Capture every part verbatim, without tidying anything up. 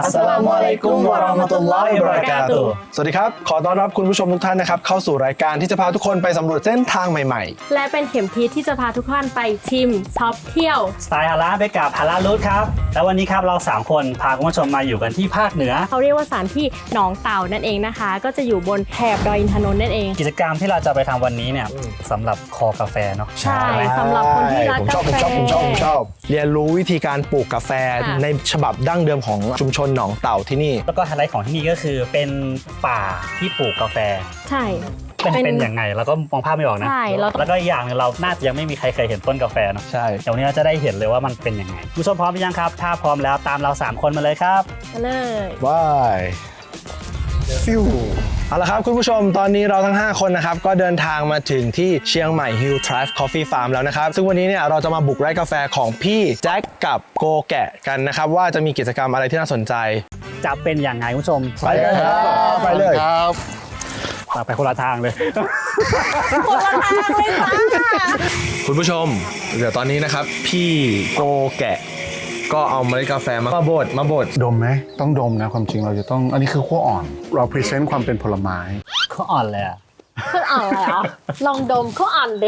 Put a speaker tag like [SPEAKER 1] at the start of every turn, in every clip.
[SPEAKER 1] อัสสลามุอะลัยกุมวะเราะมะตุลลอฮิวะบะเราะกาตุฮ์สวัสดีครับขอต้อนรับคุณผู้ชมทุกท่านนะครับเข้าสู่รายการที่จะพาทุกคนไปสำรวจเส้นทางใหม่ๆ
[SPEAKER 2] และเป็นเข็มทิศที่จะพาทุกท่านไปชิมช็อปเที่ยว
[SPEAKER 3] สไตล์ฮาลาลไปกับฮาลาลรูทครับแล้ววันนี้ครับเราสามคนพาคุณผู้ชมมาอยู่กันที่ภาคเหนือ
[SPEAKER 2] เขาเรียกว่าสถานที่หนองเต่านั่นเองนะคะก็จะอยู่บนแถบดอยอินทนนท์นั่นเอง
[SPEAKER 3] กิจกรรมที่เราจะไปทำวันนี้เนี่ยสำหรับคอกาแฟเนาะ
[SPEAKER 2] ใช่สำหรับคนที่รักกาแฟ
[SPEAKER 1] ผมชอบผมชอบผมชอบเรียนรู้วิธีการปลูกกาแฟในฉบับดั้งเดิมของชุมชนหนองเต่าที่นี่
[SPEAKER 3] แล้วก็ไฮไลท์ของที่นี่ก็คือเป็นป่าที่ปลูกกาแฟ
[SPEAKER 2] ใช่
[SPEAKER 3] เป็นเป็นอย่างไงแล้วก็มองภาพไม่ออกนะ
[SPEAKER 2] ใช่
[SPEAKER 3] แล้วก็อีกอย่างนึงเราน่าจะยังไม่มีใครเคยเห็นต้นกาแฟเนาะ
[SPEAKER 1] ใช่
[SPEAKER 3] เดี๋ยววันนี้เราจะได้เห็นเลยว่ามันเป็นยังไงผู้ชมพร้อมหรือยังครับถ้าพร้อมแล้วตามเราสามคนมาเลยครับ
[SPEAKER 2] มาเลย
[SPEAKER 1] ว้ายฟิวเอาละครับคุณผู้ชมตอนนี้เราทั้งห้าคนนะครับก็เดินทางมาถึงที่เชียงใหม่ Hill Drive Coffee Farm แล้วนะครับซึ่งวันนี้เนี่ยเราจะมาบุกไร่กาแฟของพี่แจ็คกับโกแกะกันนะครับว่าจะมีกิจกรรมอะไรที่น่าสนใจ
[SPEAKER 3] จะเป็นอย่างไรคุณผู้ชม
[SPEAKER 1] ไปกันครับไปเลย
[SPEAKER 3] ครับไปคนละทางเลย
[SPEAKER 2] คนละทางเลยจ้า
[SPEAKER 1] คุณผู้ชมเดี๋ยวตอนนี้นะครับพี่โกแกะก็เอาเมล็ดกาแฟมาบดมาบด
[SPEAKER 4] ดมไหมต้องดมนะความจริงเราจะต้องอันนี้คือขั้วอ่อนเราพรีเซนต์ความเป็นผลไม้
[SPEAKER 3] ขั้วอ่อนเลยอ่ะ
[SPEAKER 2] ขั้วอ่อนเลยเหรอลองดมขั้วอ่อนดิ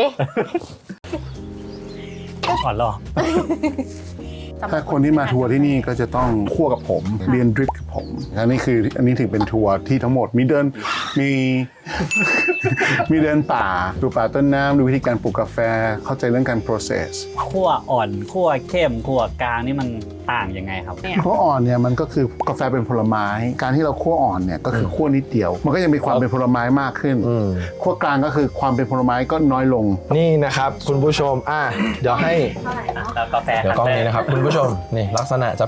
[SPEAKER 3] อ่อนหรอ
[SPEAKER 4] ถ้าคนที่มาทัวร์ที่นี่ก็จะต้องคั่วกับผมเรียนดริปกับผมอันนี้คืออันนี้ถึงเป็นทัวร์ที่ทั้งหมดมีเดินมีมีเดินป่าดูป่าต้นน้ำดูวิธีการปลูกกาแฟเข้าใจเรื่องการ process
[SPEAKER 3] คั่วอ่อนคั่วเข้มคั่วกลางนี่มันต่างยังไงครับ
[SPEAKER 4] คั่วอ่อนเนี่ยมันก็คือกาแฟเป็นผลไม้การที่เราคั่วอ่อนเนี่ยก็คือคั่วนิดเดียวมันก็ยังมีความเป็นผลไม้มากขึ้นคั่วกลางก็คือความเป็นผลไม้ก็น้อยลง
[SPEAKER 1] นี่นะครับคุณผู้ชมอ่ะเดี๋ยวให้
[SPEAKER 3] กาแฟ
[SPEAKER 1] เดี๋ยวกล้องนี้นะครับคุณผู้ชมนี่ลักษณะจะ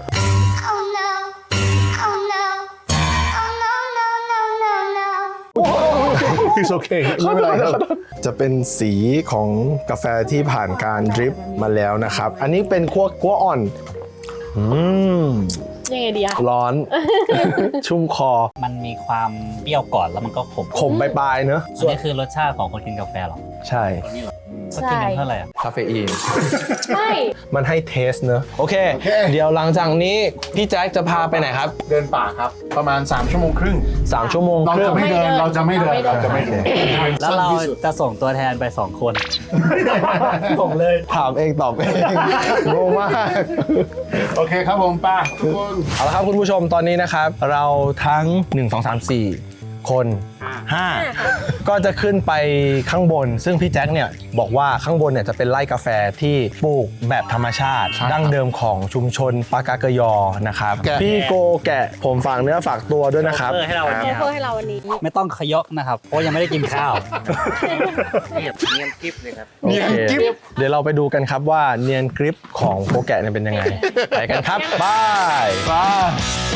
[SPEAKER 4] It's okay ไม่เป็นไรครับ
[SPEAKER 1] จะเป็นสีของกาแฟที่ผ่านการดริปมาแล้วนะครับอันนี้เป็นคั่วคั่วอ่อนอืม
[SPEAKER 2] ยังไงดีอะ
[SPEAKER 1] ร้อน ชุ่มคอ
[SPEAKER 3] มันมีความเปรี้ยวก่อนแล้วมันก็ขม
[SPEAKER 1] ขมปลายๆเนอะ
[SPEAKER 3] ส่วนนี้คือรสชาติของคนกินกาแฟหรอ
[SPEAKER 1] ใช่
[SPEAKER 3] ก็กินเท่าไหร่
[SPEAKER 1] คาเฟอีน
[SPEAKER 2] ใช่
[SPEAKER 1] มันให้เทสเนอะโอเคเดี๋ยวหลังจากนี้พี่แจ็คจะพาไปไหนครับ
[SPEAKER 4] เดินป่าครับประมาณสามชั่วโมงครึ่ง
[SPEAKER 1] สามชั่วโมง
[SPEAKER 4] เราจะไม่เดินเราจะไม่เดินเราจะไม่เดิน
[SPEAKER 3] แล้วเราจะส่งตัวแทนไปสองคนผมเลย
[SPEAKER 1] ถามเองตอบเองโง่มาก
[SPEAKER 4] โอเคครับผมป้าทุกคน
[SPEAKER 1] เอาละครับคุณผู้ชมตอนนี้นะครับเราทั้งหนึ่ง สอง สาม สี่คนห้าก็จะขึ้นไปข้างบนซึ่งพี่แจ็คเนี่ยบอกว่าข้างบนเนี่ยจะเป็นไร่กาแฟที่ปลูกแบบธรรมชาติดั้งเดิมของชุมชนปากากยอนะครับพี่โกแกะผมฝากเนื้อฝากตัวด้วยนะครับ
[SPEAKER 3] ให้เราวันนี้
[SPEAKER 2] เพื่อให้เราวันนี้
[SPEAKER 3] ไม่ต้องขยกนะครับเพราะยังไม่ได้กินข้าว
[SPEAKER 5] เนียบเนียนกริบเลยครับ
[SPEAKER 1] เนียนกริบเดี๋ยวเราไปดูกันครับว่าเนียนกริบของโกแกะเนี่ยเป็นยังไงไปกันครับบายบาย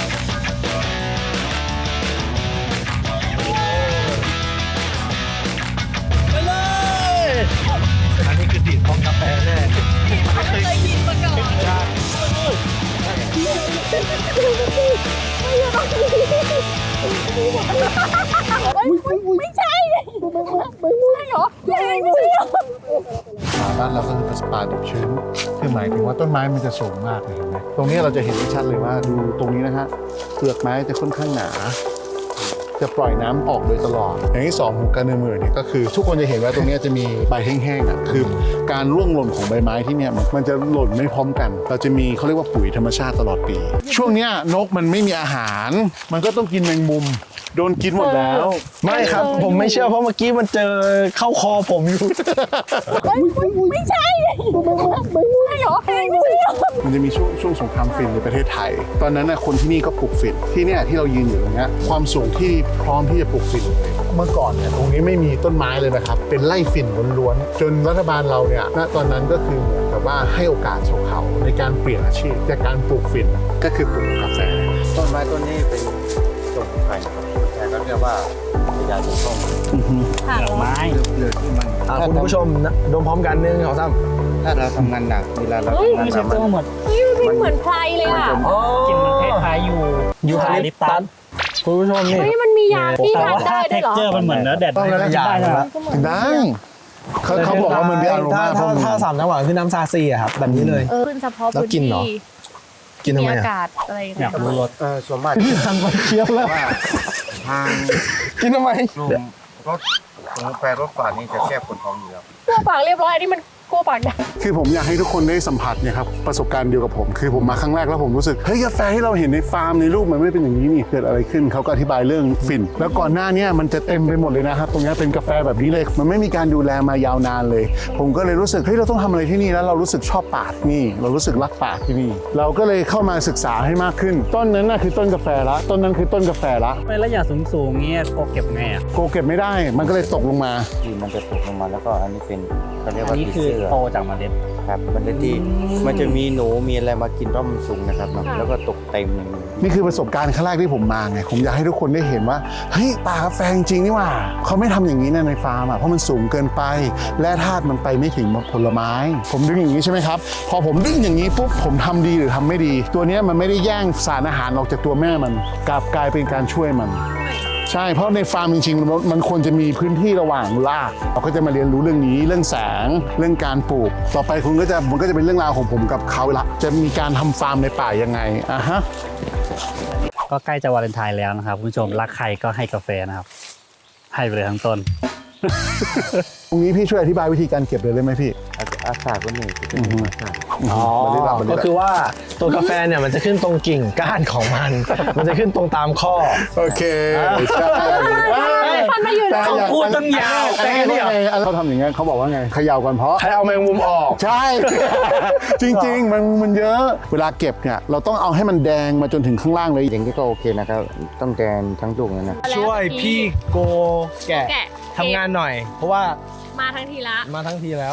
[SPEAKER 1] อันนี้คือดีดของกาแฟแน่
[SPEAKER 2] ไม่เคยกินมาก่อนไม่ใช่ไม่ใช่หรอไม่ใช่ไม่ใช่
[SPEAKER 4] ป่าบ้านเราก็คือเป็นป่าดิบชื้นคือหมายถึงว่าต้นไม้มันจะสูงมากเลยเห็นไหมตรงนี้เราจะเห็นชัดเลยว่าดูตรงนี้นะฮะเปลือกไม้จะค่อนข้างหนาจะปล่อยน้ำออกโดยตลอดอย่างที่สองของการเดินมือเนี่ยก็คือทุกคนจะเห็นว่าตรงนี้จะมีใบแห้งๆอ่ะคือการร่วงหล่นของใบไม้ที่เนี่ยมันจะหล่นไม่พร้อมกันเราจะมีเขาเรียกว่าปุ๋ยธรรมชาติตลอดปีช่วงเนี้ยนกมันไม่มีอาหารมันก็ต้องกินแมงมุมโดนกินหมดแล้ว
[SPEAKER 1] ไม่ครับผมไม่เชื่อเพราะเมื่อกี้มันเจอเข้าคอผมอยู่
[SPEAKER 2] ไม่ใช่ไม่ใช่หรอไม่ใช่หรอ
[SPEAKER 4] มันจะมีช่วงช่วงสงครามฝิ่นในประเทศไทยตอนนั้นนะคนที่นี่ก็ปลูกฝิ่นที่เนี่ยที่เรายืนอยู่ตรงนี้ความสูงที่พร้อมที่จะปลูกฝิ่นเมื่อก่อนเนี่ยตรงนี้ไม่มีต้นไม้เลยนะครับเป็นไร่ฝิ่นล้วนๆจนรัฐบาลเราเนี่ยณตอนนั้นก็คือเหมือนกับว่าให้โอกาสชาวเขาในการเปลี่ยนอาชีพจากการปลูกฝิ่นก็คือปลูกกาแฟ
[SPEAKER 5] ต้นไม้ต้นนี้เป็นต้นไผ่ครับแต่ก็เรียกว่าพญาจุก
[SPEAKER 3] ดอกไม้
[SPEAKER 5] เลือดที่มัน
[SPEAKER 1] คุณผู้ชมดมพร้อมกันหนึ่งสองสาม
[SPEAKER 5] ถ้าเราทำงานหนักเวลาเราทำงานหนักมัน
[SPEAKER 3] หมด
[SPEAKER 2] มันเหมือนไพรเลยอ่ะ
[SPEAKER 3] กินมันคล้ายๆอยู่
[SPEAKER 1] ยูคาลิปตัสคุณผู้ชมนี่
[SPEAKER 2] เฮ้ยมันมียาที่ทานได้ด้วยเหรอ
[SPEAKER 3] เท็กเจอร์มันเหมือนเนื้อแดด
[SPEAKER 1] ต้องแล้วได้แล้ว
[SPEAKER 4] ได้เขาเขาบอกว่ามันมีอารมา
[SPEAKER 1] ถ้าถ้าสามจังหวะคือน้ำซาซีอะครับแบบนี้เลย
[SPEAKER 2] ขึ้นเฉพาะพื้นที่
[SPEAKER 1] กินทำ
[SPEAKER 2] มี
[SPEAKER 1] ไม
[SPEAKER 2] อา
[SPEAKER 1] อ่ะ
[SPEAKER 2] กาศอะไรอย่าง
[SPEAKER 3] อ
[SPEAKER 2] เงี้
[SPEAKER 3] ยาย กรู้รส
[SPEAKER 5] เออส่วนมาก
[SPEAKER 1] พี่ทานไปเคี้ยวแล้ว
[SPEAKER 5] ว่าทาง
[SPEAKER 1] กินทำไม
[SPEAKER 5] กลุ่มรถสมุนไพรรถฝาดนี่จะแก้ปวดท้องอยู่แล้ว
[SPEAKER 2] กลัวปากเรียบร้อยอันนี้มันกลัวปากดำ
[SPEAKER 4] คือผมอยากให้ทุกคนได้สัมผัสเนี่ยครับประสบการณ์เดียวกับผม คือผมมาครั้งแรกแล้วผมรู้สึกเฮ้ยกาแฟที่เราเห็นในฟาร์มในรูปมันไม่ได้เป็นอย่างนี้นี่เกิดอะไรขึ้นเขาก็อธิบายเรื่องฝิ่นแล้วก่อนหน้าเนี้มันจะเต็มไปหมดเลยนะครับตรงนี้เป็นกาแฟแบบนี้เลยมันไม่มีการดูแลมายาวนานเลย ผมก็เลยรู้สึกเฮ้ยเราต้องทำอะไรที่นี่แล้วเรารู้สึกชอบป่าที่นี่เรารู้สึกรักป่าที่นี่เราก็เลยเข้ามาศึกษาให้มากขึ้น ต้นนั้นน่ะคือต้นกาแฟละต้นนั้นคือต้นกาแฟละ
[SPEAKER 3] ไประยะสูงๆเงี้ยโกเก็บไงอ่ะ
[SPEAKER 4] โกเก็บไม่ได้มันก็เลยตกลงมา
[SPEAKER 5] ที่มันจะตกลงมาแล้วก็อันนี้เป็นเขาเรียก
[SPEAKER 3] อั
[SPEAKER 5] ว่าน
[SPEAKER 3] นี้
[SPEAKER 5] ผี
[SPEAKER 3] คือ
[SPEAKER 5] เสื้อ
[SPEAKER 3] โตจากเมล็ด
[SPEAKER 5] ครับมันเป็นที่มันจะมีหนูมีอะไรมากินเพราะมันสูงนะครับเนอะแล้วก็ตกเต็มอย่างนี้
[SPEAKER 4] นี่คือประสบการณ์ครั้งแรกที่ผมมาไง ผมอยากให้ทุกคนได้เห็นว่า เฮ้ยป่ากาแฟจริงๆนี่หว่า เขาไม่ทำอย่างนี้นะในฟาร์มอ่ะ เพราะมันสูงเกินไป และธาตุมันไปไม่ถึงผลไม้ ผมดึงอย่างนี้ใช่ไหมครับ พอผมดึงอย่างนี้ปุ๊บ ผมทำดีหรือทำไม่ดี ตัวเนี้ยมันไม่ได้แย่งสารอาหารออกจากตัวแม่มันกลับกลายเป็นการช่วยมัน ใช่ เพราะในฟาร์มจริงๆมันมันควรจะมีพื้นที่ระหว่างราก เราก็จะมาเรียนรู้เรื่องนี้ เรื่องแสง เรื่องการปลูก ต่อไปคุณก็จะมันก็จะเป็นเรื่องราวของผมกับเขาละ จะมีการทำฟาร์มในป่ายังไงอ่ะฮะ
[SPEAKER 3] ก็ใกล้จะวาเลนไทน์แล้วนะครับคุณผู้ชมรักใครก็ให้กาแฟนะครับ ให้ไปเลยทั้งต้น
[SPEAKER 4] ตรงนี้พี่ช่วยอธิบายวิธีการเก็บเลยได้ไหมพี่
[SPEAKER 5] อาอาสาก็นี่คือเป็นอาสา
[SPEAKER 1] อ๋อ ก็คือว่าตัวกาแฟเนี่ยมันจะขึ้นตรงกิ่งก้านของมัน มันจะขึ้นตรงตามข้อ
[SPEAKER 4] โอเคใช่
[SPEAKER 2] ท่านมาอยู่แล้ว
[SPEAKER 3] พูดตั้งยาว
[SPEAKER 4] แต่นี่ไงเขาทำอย่างเงี้ยเขาบอกว่าไงเขย่าก่อนเพราะ
[SPEAKER 1] ใครเอาแมงมุมออก
[SPEAKER 4] ใช่ จริงๆ มันมันเยอะ เวลาเก็บเนี่ยเราต้องเอาให้มันแดงมาจนถึงข้างล่างเลย
[SPEAKER 5] อย่างนี้ก็โอเคนะครับต้องแดนทั้งลูกเลยนะ
[SPEAKER 1] ช่วยพี่โกแกะ
[SPEAKER 2] แกะ
[SPEAKER 1] ทำงานหน่อย เพราะว่า
[SPEAKER 2] มาทั้งทีละ
[SPEAKER 1] มาทั้งทีแล้ว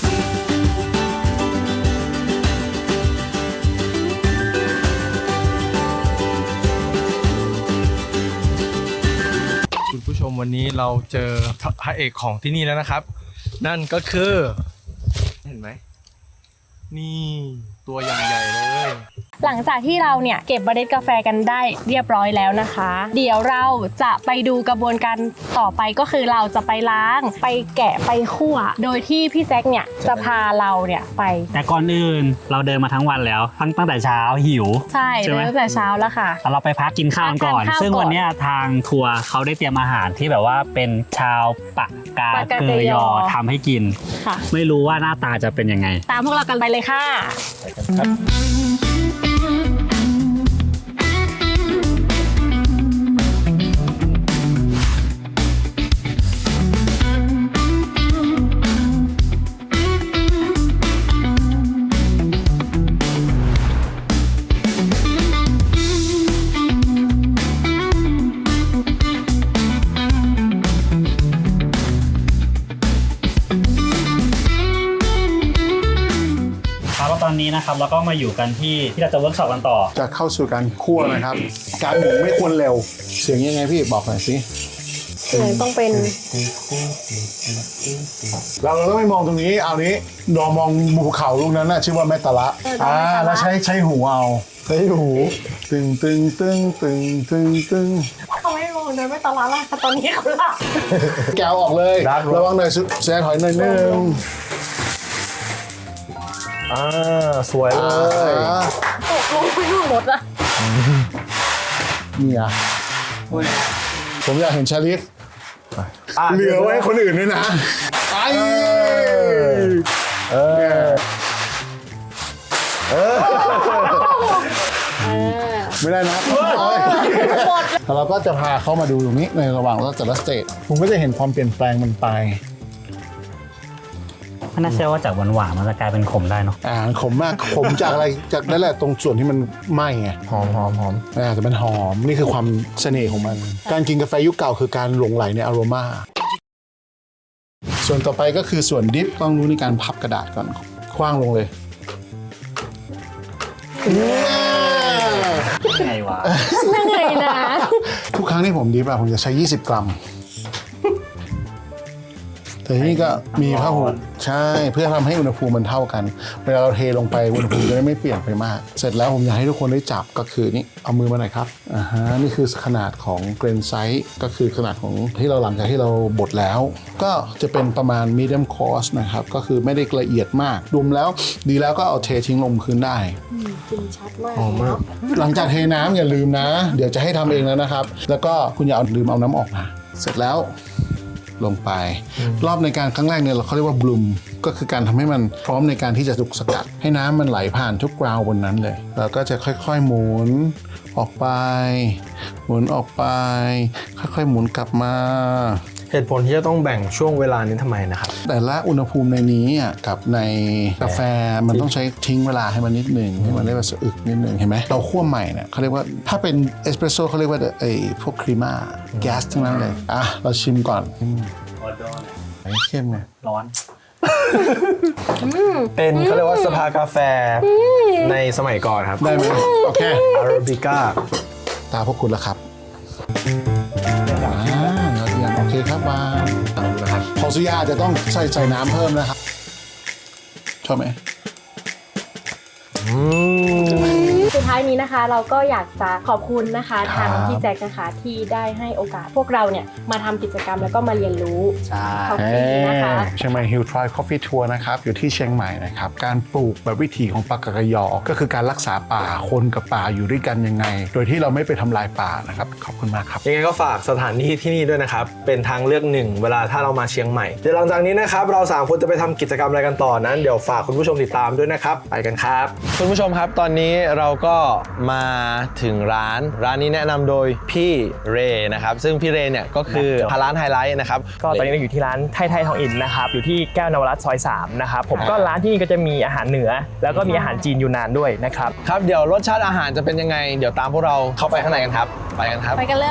[SPEAKER 1] คุณผู้ชมวันนี้เราเจอพระเอกของที่นี่แล้วนะครับ นั่นก็คือ เห็นไหม นี่ตัวอย่างใหญ่เลย
[SPEAKER 2] หลังจากที่เราเนี่ยเก็บเมล็ดกาแฟกันได้เรียบร้อยแล้วนะคะ เดี๋ยวเราจะไปดูกระบวนการต่อไปก็คือเราจะไปล้างไปแกะไปคั่ว โดยที่พี่แจ็คเนี่ยจะพาเราเนี่ยไป
[SPEAKER 3] แต่ก่อนอื่นเราเดินมาทั้งวันแล้วตั้งตั้งแต่เช้าหิว
[SPEAKER 2] ใช่
[SPEAKER 3] ใช่ไหม
[SPEAKER 2] เริ่มแต่เช้าแล้วค่ะ
[SPEAKER 3] เราไปพักกินข้าวก่อน
[SPEAKER 2] พักทานข้าว
[SPEAKER 3] ซึ่ง
[SPEAKER 2] ก่อน
[SPEAKER 3] วันเนี้ยทางทัวร์เขาได้เตรียมอาหารที่แบบว่าเป็นชาวปากกา
[SPEAKER 2] ปากกา
[SPEAKER 3] เก
[SPEAKER 2] เก
[SPEAKER 3] ย
[SPEAKER 2] ย
[SPEAKER 3] อ
[SPEAKER 2] อ
[SPEAKER 3] ทำให้กิน
[SPEAKER 2] ค่ะ
[SPEAKER 3] ไม่รู้ว่าหน้าตาจะเป็นยังไง
[SPEAKER 2] ตามพวกเรากันไปเลยค่ะ
[SPEAKER 3] ครับแล้วตอนนี้นะครับเราก็มาอยู่กันที่ที่เราจะเวิร์กช็อปกันต่อ
[SPEAKER 4] จะเข้าสู่การคั่วนะครับ การหมุนไม่ควรเร็ว เสียงยังไงพี่บอกหน่อยสิ
[SPEAKER 2] เสียงต้องเป็น
[SPEAKER 4] เราเราต้องไม่มองตรงนี้ เอานี้ดอมองภูเขาลูกนั้นน่ะชื่อว่าแมตตาระ
[SPEAKER 2] เออดอกแมตตาระ
[SPEAKER 4] อ่าแล้วใช้ใช้หูเอาใช้หู ตึงตึงตึงตึงตึงตึง
[SPEAKER 2] เขาไม่มองเดินไม่ตลาดละตอนนี้เขาหลับ
[SPEAKER 4] แกวออกเลย ระวังหน่อยสุแซถอยหน่อยนึง
[SPEAKER 1] อ่า สวยเลย
[SPEAKER 4] อ่า
[SPEAKER 2] ตกลงไปนู่นหมดละ
[SPEAKER 4] นี่อ่ะผมอยากเห็นชาลิฟ
[SPEAKER 1] อ่ะ
[SPEAKER 4] เหลือไว้ให้คนอื่นด้วยนะไป
[SPEAKER 1] เออ
[SPEAKER 4] ไม่ได้นะแล้วเราก็จะพาเขามาดูตรงนี้ในระหว่างเราแต่ละสเตจผมก็จะเห็นความเปลี่ยนแปลงมันไป
[SPEAKER 3] ไม่น่าเชื่อว่าจากหวานๆมันจะกลายเป็นขมได้เนาะ
[SPEAKER 4] อ่าขมมากขมจากอะไรจากนั่นแหละตรงส่วนที่มันไหม้ไง
[SPEAKER 1] หอมหอมหอม
[SPEAKER 4] อ่าแต่มันหอมนี่คือความเสน่ห์ของมัน การกินกาแฟยุคเก่าคือการหลงไหลในอโรมาส่วนต่อไปก็คือส่วนดิฟต้องรู้ในการพับกระดาษก่อนคว้างลงเลย
[SPEAKER 3] ไงวะ
[SPEAKER 2] นั่งไงนะ
[SPEAKER 4] ทุกครั้งที่ผมดิฟอะผมจะใช้ยี่สิบกรัม แต่แต่ที่นี่ก็มีผ้าห่มใช่เพื่อทำให้อุณหภูมิมันเท่ากันเวลาเราเทลงไปอุณหภูมิจะได้ไม่เปลี่ยนไปมาก เสร็จแล้วผมอยากให้ทุกคนได้จับก็คือนี่เอามือมาหน่อยครับอ่าฮะนี่คือขนาดของเกรนไซส์ก็คือขนาดของที่เราหลังจากที่เราบดแล้ว ก็จะเป็นประมาณ medium coarse นะครับก็คือไม่ได้ละเอียดมากรวมแล้วดีแล้วก็เอาเททิ้งลงพื้นได้
[SPEAKER 2] กินชัดมาก
[SPEAKER 1] หอมมาก
[SPEAKER 4] หลังจากเทน้ำอย่าลืมนะ เดี๋ยวจะให้ทำเองแล้วนะครับ แล้วก็คุณอย่าเอาลืมเอาน้ำออกนะเสร็จแล้วลงไป รอบในการครั้งแรกเนี่ยเราเขาเรียกว่าบลูมก็คือการทำให้มันพร้อมในการที่จะถูกสกัด ให้น้ำมันไหลผ่านทุกกราวบนนั้นเลยแล้วก็จะค่อยๆหมุนออกไป หมุนออกไป ค่อยๆหมุนกลับมา
[SPEAKER 1] เหตุผลที่จะต้องแบ่งช่วงเวลานี้ทำไมนะครับ
[SPEAKER 4] แต่ละอุณหภูมิในนี้อ่ะกับในกาแฟมันต้องใช้ทิ้งเวลาให้มันนิดหนึ่งให้มันได้แบบสะอึกนิดหนึ่งเห็นไหมเราคั่วใหม่เนี่ยเขาเรียกว่าถ้าเป็นเอสเปรสโซ่เขาเรียกว่าไอ้พวกครีม่าแก๊สทั้งนั้นเลยอ่ะเราชิมก่อน
[SPEAKER 3] ออดอน
[SPEAKER 4] ไอ้เข้มไง
[SPEAKER 3] ร้อน
[SPEAKER 1] เป็นเขาเรียกว่าสภากาแฟในสมัยก่อนครับ
[SPEAKER 4] ได้ไหมโอเค
[SPEAKER 1] อาราบิก้า
[SPEAKER 4] ตาพวกคุณแล้วครับอ่ายอดเยี่ยมโอเคครับวางนะครับพอสุยาจะต้องใส่ใส่น้ำเพิ่มนะครับชอบไหม
[SPEAKER 1] อืม
[SPEAKER 2] สุดท้ายนี้นะคะ เราก็อยากจะขอบคุณนะคะ
[SPEAKER 4] ครับ
[SPEAKER 2] ทางพี่แจ็คนะคะที่ได้ให้โอกาสพวกเราเนี่ยมาทำกิจกรรมแล้วก็มาเรียนรู้
[SPEAKER 3] ใช่
[SPEAKER 2] ขอบคุณนะคะ
[SPEAKER 4] เชียงใหม่ Hill Tribe Coffee Tour นะครับอยู่ที่เชียงใหม่นะครับการปลูกแบบวิถีของปากกยอ ก็คือการรักษาป่าคนกับป่าอยู่ด้วยกันยังไง โดยที่เราไม่ไปทำลายป่านะครับขอบคุณมากครับ
[SPEAKER 1] ยังไงก็ฝากสถานที่ที่นี่ด้วยนะครับ เป็นทางเลือกหนึ่งเวลาถ้าเรามาเชียงใหม่ เดี๋ยวหลังจากนี้นะครับเราสามคนจะไปทำกิจกรรมอะไรกันต่อนั้นเดี๋ยวฝากคุณผู้ชมติดตามด้วยนะครับไปกันครับคุณผู้ชมครับตอนนี้เราก็มาถึงร้านร้านนี้แนะนำโดยพี่เรนะครับซึ่งพี่เรเนี่ยก็คือทางร้านไฮไลท์นะครับ
[SPEAKER 6] ก็ตอนนี้เราอยู่ที่ร้านไทยไทยทองอินนะครับอยู่ที่แก้วนวรัตน์ซอยสามนะครับผมก็ร้านที่นี่ก็จะมีอาหารเหนือ แล้วก็มีอาหารจีนยูนานด้วยนะครับ
[SPEAKER 1] ครับเดี๋ยวรสชาติอาหารจะเป็นยังไง เดี๋ยวตามพวกเราเข้าไปข้างในกันครับไปกันครับ
[SPEAKER 2] ไปกันเลย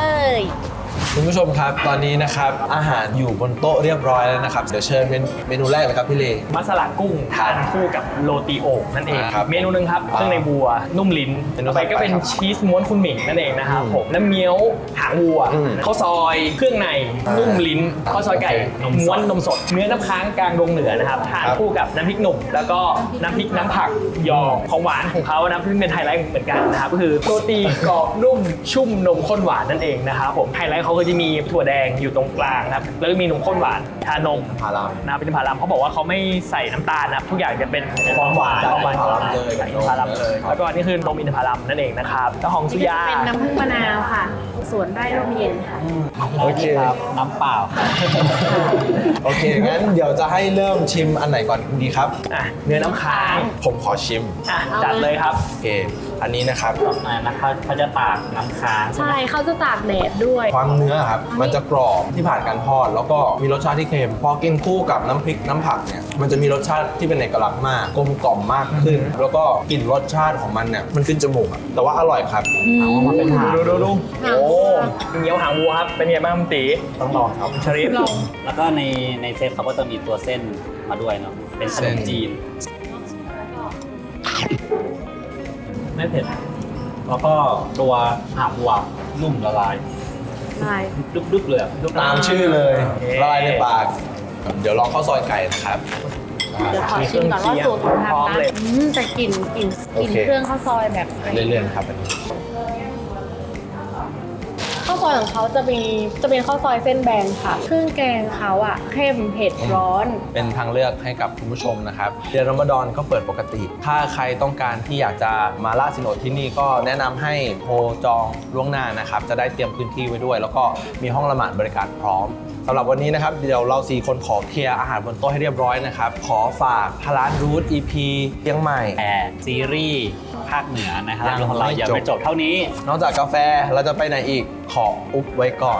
[SPEAKER 1] คุณผู้ชมครับตอนนี้นะครับอาหารอยู่บนโต๊ะเรียบร้อยแล้วนะครับเดี๋ยวเชิญเป็นเมนูแรกเลยครับพี่เล
[SPEAKER 6] มัสลากุ้งทานคู่กับโรตีโอ่งนั่นเอง
[SPEAKER 1] ครับ
[SPEAKER 6] เมนูหนึงครับเครื่องในบัวนุ่มลิ้น
[SPEAKER 1] เมนู
[SPEAKER 6] ต่อไปก็เป็น
[SPEAKER 1] ต่อไปครับ
[SPEAKER 6] ชีสม้วนคุณหมิงนั่นเองนะครับ
[SPEAKER 1] อืม
[SPEAKER 6] ผมน้ำเงี้ยวหางวัว
[SPEAKER 1] อืม
[SPEAKER 6] ข้าวซอยเครื่องในนุ่มลิ้นข้าวซอยไก่
[SPEAKER 1] โอเค
[SPEAKER 6] ม้วนนมสด เนื้อน้ำค้างกลางดงเหนือนะครับทาน
[SPEAKER 1] ครับ
[SPEAKER 6] คู่กับน้ำพริกหนุ่ม แล้วก็น้ำพริกน้ำผักยอของหวานของเขานะซึ่งเป็นไฮไลท์เหมือนกันนะครับก็คือโรตีกรอบนุ่มชุ่มนมข้นหวานนั่นเองนะครับผมไฮไลท์เขาก็จะมีถั่วแดงอยู่ตรงกลางนะครับแล้วก็มีนมข้นหวานชานม
[SPEAKER 1] พาราม
[SPEAKER 6] นะครับเป็นอินทผลัมเขาบอกว่าเขาไม่ใส่น้ำตาลนะครับทุกอย่างจะเป็นของหวาน
[SPEAKER 1] จาก
[SPEAKER 6] ของหวาน
[SPEAKER 1] อินทผลัมเลย
[SPEAKER 6] จากอินทผลัมเลยแล้วก็นี่คือนมอินทผลัมนั่นเองนะครับแล้วของสุยา
[SPEAKER 2] เป็นน้ำผึ้งมะนาวค่ะ สวนไร่ร่มเย็นค่ะ
[SPEAKER 1] โอเค
[SPEAKER 3] ครับน้ำเปล่า
[SPEAKER 1] โอเคงั้นเดี๋ยวจะให้เริ่มชิมอันไหนก่อนดีครับ
[SPEAKER 6] อ่ะเนื้อน้ำค้าง
[SPEAKER 1] ผมขอชิม
[SPEAKER 6] อ่ะจัดเลยครับ
[SPEAKER 1] โอเคอันนี้นะครับ
[SPEAKER 3] อ่านะครับเขาจะตากน้ำค้าง
[SPEAKER 2] ใช่เขาจะตากแดดด้วย
[SPEAKER 1] ความเนื้อครับมันจะกรอบที่ผ่านการทอด แล้วก็มีรสชาติที่เค็มพอกินคู่กับน้ำพริกน้ำผักเนี่ยมันจะมีรสชาติที่เป็นเอกลักษณ์มากกลมกล่อมมากขึ้น แล้วก็กลิ่นรสชาติของมันเนี่ยมันขึ้นจมูกอะแต่ว่าอร่อยครับ
[SPEAKER 6] เอามาเป็นหางดูดูดู
[SPEAKER 2] หางวั
[SPEAKER 6] โอ้
[SPEAKER 2] ว
[SPEAKER 6] เงี้ยวหางวัวครับเป็นไงบ้างคุณตี
[SPEAKER 3] ต้องลองครับ
[SPEAKER 6] ชริฟ
[SPEAKER 2] ลอง
[SPEAKER 3] แล้วก็ในในเซตเขาก็จะมีตัวเส้นมาด้วยเนาะเป็นขนมจีน ไม่เผ็ด แล้วก็ตัวหางวัวนุ่มละลาย
[SPEAKER 2] ใช่
[SPEAKER 3] ดึบๆเลยอะ
[SPEAKER 1] ตามชื่อเลยละลายในปาก เดี๋ยวลองข้าวซอยไก่นะครับ
[SPEAKER 2] เดี๋ยวขอชิมก่อนว่าสูตรของทาง
[SPEAKER 6] พร้อม
[SPEAKER 2] ร้าน
[SPEAKER 6] เลย
[SPEAKER 2] อืมแต่กลิ่นกลิ่นกลิ่น
[SPEAKER 1] โอเค
[SPEAKER 2] เครื่องข้าวซอยแบบ
[SPEAKER 1] เรื่อยๆนะครับอันนี้
[SPEAKER 2] ข้าวซอยของเขาจะมีจะเป็นข้าวซอยเส้นแบนค่ะ เครื่องแกงเขาอ่ะเข้มเผ็ดร้อน
[SPEAKER 1] เป็นทางเลือกให้กับคุณผู้ชมนะครับเดือนรอมฎอนก็เปิดปกติ ถ้าใครต้องการที่อยากจะมาล่าสินอดที่นี่ก็แนะนำให้โทรจองล่วงหน้านะครับจะได้เตรียมพื้นที่ไว้ด้วย แล้วก็มีห้องละหมาดบริการพร้อมสำหรับวันนี้นะครับเดี๋ยวเราสี่คนขอเคลียร์อาหารบนโต๊ะให้เรียบร้อยนะครับขอฝากพาร้านรูท อี พี เชียงใหม่
[SPEAKER 3] แต่ซีรีส์ภาคเหนือนะครับ
[SPEAKER 1] ยัง
[SPEAKER 3] ของเรา
[SPEAKER 1] ไม่
[SPEAKER 3] ยัง
[SPEAKER 1] จบ
[SPEAKER 3] ไม่จบเท่านี้
[SPEAKER 1] นอกจากกาแฟเราจะไปไหนอีกขออุบไว้ก่อน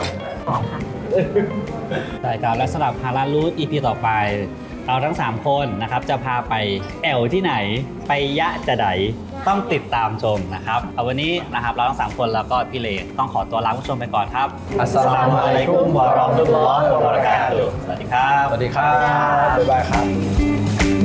[SPEAKER 3] ใช่ครับและสำหรับฮาราลูด อี พี ต่อไป เราทั้ง สาม คนนะครับจะพาไปแอวที่ไหนไปยะจะไดต้องติดตามชมนะครับเอาวันนี้นะครับเราทั้ง สาม คนแล้วก็พี่เลต้องขอตัวลาผู้ชมไปก่อนครับ
[SPEAKER 1] อัสสลามุอะลัยกุมวะเราะห์มะตุลลอฮิวะบะเราะกาตุฮ์
[SPEAKER 3] สวัสดีครับ
[SPEAKER 1] สวัสดีครับบ๊ายบายครับ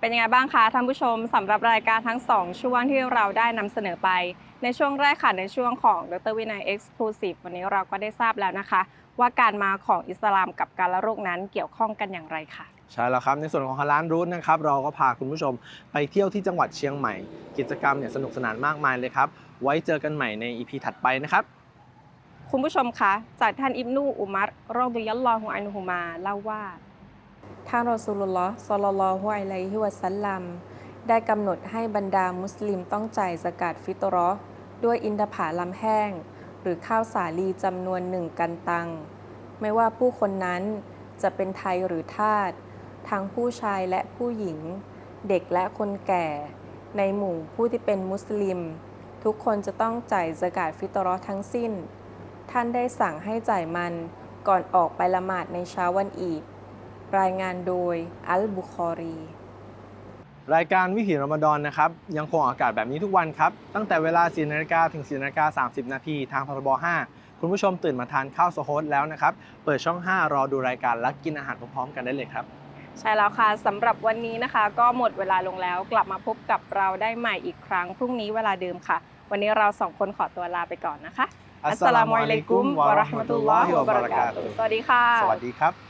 [SPEAKER 7] เป็นยังไงบ้างคะท่านผู้ชมสำหรับรายการทั้งสองช่วงที่เราได้นำเสนอไปในช่วงแรกค่ะในช่วงของดรวินัย Exclusive วันนี้เราก็ได้ทราบแล้วนะคะ ว่าการมาของอิสลามกับการละโรคนั้นเกี่ยวข้องกันอย่างไรค่ะ
[SPEAKER 1] ใช่แล้วครับในส่วนของฮาลาลรูทนะครับเราก็พาคุณผู้ชมไปเที่ยวที่จังหวัดเชียงใหม่กิจกรรมเนี่ยสนุกสนานมากมายเลยครับไว้เจอกันใหม่ใน อี พี ถัดไปนะครับ
[SPEAKER 7] คุณผู้ชมคะจากท่านอิบนูอุมัรรอฎิยัลลอฮุอันฮุมาเล่าว่าท่านรอซูลุลลอฮ์ศ็อลลัลลอฮุอะลัยฮิวะซัลลัมได้กำหนดให้บรรดามุสลิมต้องจ่ายซะกาตฟิตเราะห์ด้วยอินทผลัมแห้งหรือข้าวสาลีจำนวนหนึ่งกันตังไม่ว่าผู้คนนั้นจะเป็นไทยหรือทาสทั้งผู้ชายและผู้หญิงเด็กและคนแก่ในหมู่ผู้ที่เป็นมุสลิมทุกคนจะต้องจ่ายซะกาตฟิตเราะห์ทั้งสิ้นท่านได้สั่งให้จ่ายมันก่อนออกไปละหมาดในเช้าวันอีดรายงานโดยอัลบุคอรี
[SPEAKER 1] รายการวิถีรอมฎอนนะครับยังคงออกอากาศแบบนี้ทุกวันครับตั้งแต่เวลา สี่นาฬิกา ถึง สี่นาฬิกาสามสิบ นาทีทางพรบห้าคุณผู้ชมตื่นมาทานข้าวโซโฮสแล้วนะครับเปิดช่องห้ารอดูรายการและกินอาหารพร้อมๆกันได้เลยครับ
[SPEAKER 7] ใช่แล้วค่ะสำหรับวันนี้นะคะก็หมดเวลาลงแล้วกลับมาพบกับเราได้ใหม่อีกครั้งพรุ่งนี้เวลาเดิมค่ะวันนี้เราสองคนขอตัวลาไปก่อนนะคะอัสสลามุอะลัยกุมวะเราะห์มะตุลลอฮิวะบะเราะกาตุฮ์สวัสดีค่ะ
[SPEAKER 1] สวัสดีครับ